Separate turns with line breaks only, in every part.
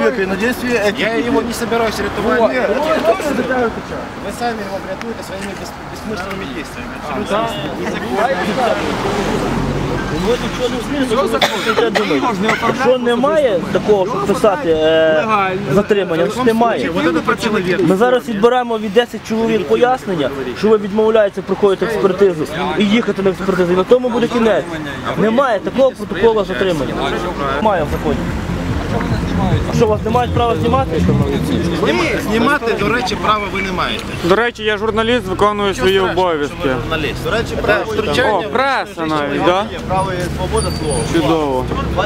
Я его не собираюсь рятовать. Вы сами его рятуете своими бессмысленными действиями.
Якщо немає такого, щоб писати затримання, то немає. Ми зараз відбираємо від 10 чоловік пояснення, що ви відмовляєтеся проходити експертизу і їхати на експертизу. І на тому буде кінець. Немає такого протоколу затримання. Немає в законі. А що, у вас не мають права знімати?
Знімати, до речі, права ви не маєте.
До речі, я журналіст, виконую свої обов'язки.
До речі, втручання...
О, преса навіть, так?
Право і свобода слова.
Чудово.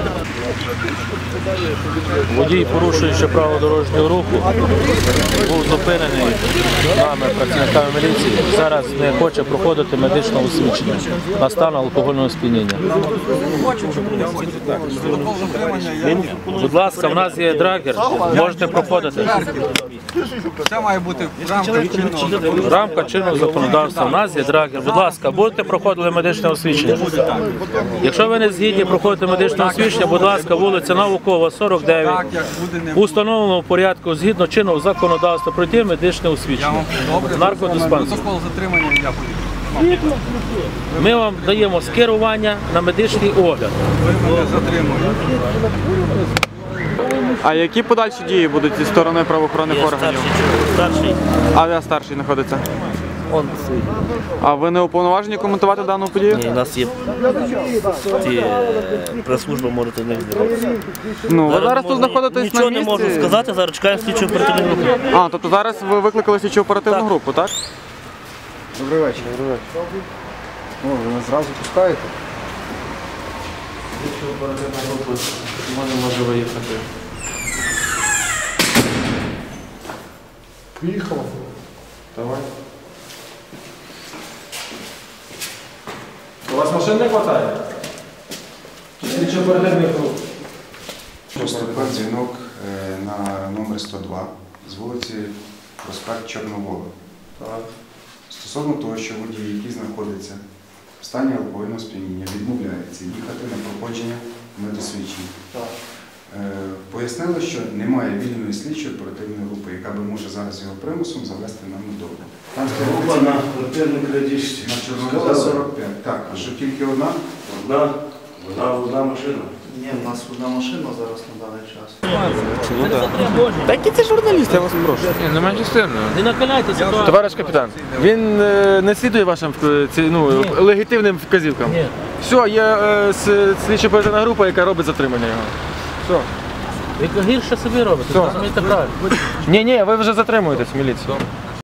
Водій, порушуючи право дорожнього руху, був зупинений нами, працівниками міліції. Зараз не хоче проходити медичне освідчення на стан алкогольного сп'яніння. Будь ласка, в нас є драгер, можете проходити.
Це має бути
Рамка чинного законодавства. У нас є драгер. Будь ласка, будете проходити медичне освідчення. Якщо ви не згідні проходити медичне освідчення, будь ласка, вулиця Наукова, 49, у встановленому порядку, згідно чинного законодавства, пройти медичне освідчення. Наркодиспансер. Ми вам даємо скерування на медичний огляд.
А які подальші дії будуть зі сторони правоохоронних органів?
Старший.
А де старший знаходиться?
Он стоїть.
А ви не уповноважені коментувати дану подію?
Ні, у нас є прес-служба, можете не звертатися.
Ну, ви зараз тут знаходитесь на місці?
Нічого не можу сказати, зараз чекаємо слідчу оперативну групу.
А, тобто зараз ви викликали слідчу оперативну групу, так?
Добрий вечір. О, ви нас зразу пускаєте?
Слідчу оперативну групу не може виїхати.
Поїхала.
Давай. У вас машин не вистачає? Чи слідчо оперативних груп?
Поступив дзвінок на номер 102 з вулиці Проспект Чорновола. Стосовно того, що водій, який знаходиться в стані алкогольного сп'яніння, відмовляється їхати на проходження медосвідчення. Пояснили, що немає вільної слідчої оперативної групи, яка би може зараз його примусом завести нам додому. Там
група на квартирній крадіжці.
На Чорновола 45. Так, а що тільки одна?
Одна машина.
Ні, у нас одна машина зараз на даний час.
Так і це журналіст, я вас прошу.
Не менше сильно. Не накаляйте ситуацію.
Товариш капітан, він не слідує вашим легітимним вказівкам?
Ні.
Все, є слідчо оперативна група, яка робить затримання його. Все.
Ви гірше собі робите, розумієте правильно.
Ні, ви вже затримуєтесь в міліції.